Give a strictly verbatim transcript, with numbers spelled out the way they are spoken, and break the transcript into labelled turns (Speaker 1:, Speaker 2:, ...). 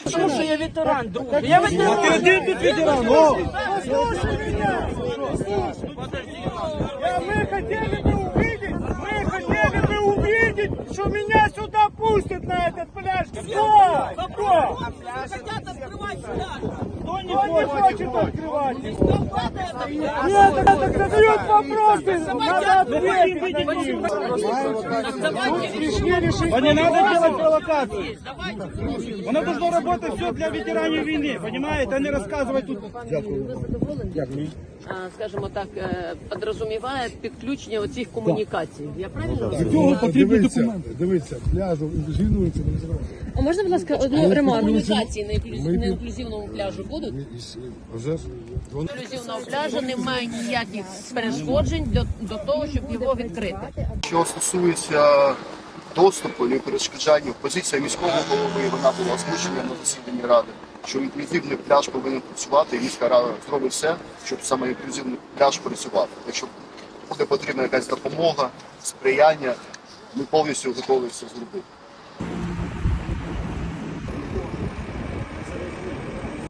Speaker 1: Тому що я ветеран, друже. Я ветеран.
Speaker 2: Ты один тут ветеран, о!
Speaker 3: Послушай меня! Мы хотели бы увидеть, мы хотели бы увидеть, что меня сюда пустят на этот пляж. Кто? Кто? Кто не хочет открывать? Нет, это задают вопросы, надо ответить.
Speaker 2: А не надо делать провокацию. Оно должно работать все для ветеранов войны, понимаете, а не рассказывать тут.
Speaker 4: Скажімо так, підрозуміває підключення оцих комунікацій. Я правильно
Speaker 2: Для цього потрібні
Speaker 5: Дивіться,
Speaker 2: документи.
Speaker 5: дивіться, пляжу інклюзивнується не називається.
Speaker 4: А можна, будь ласка, одну ремарку? Комунікації на інклюзив- на інклюзивному пляжу будуть?
Speaker 5: Вже ж вони
Speaker 4: Інклюзивного пляжу немає ніяких перешкоджень до, до того, щоб його відкрити.
Speaker 6: Що стосується доступу і перешкоджання, позиція міського голови, вона була озвучена на засіданні ради, що інклюзивний пляж повинен працювати, і міська рада зробить все, щоб саме інклюзивний пляж працював. Якщо буде потрібна якась допомога, сприяння, ми повністю готові це зробити.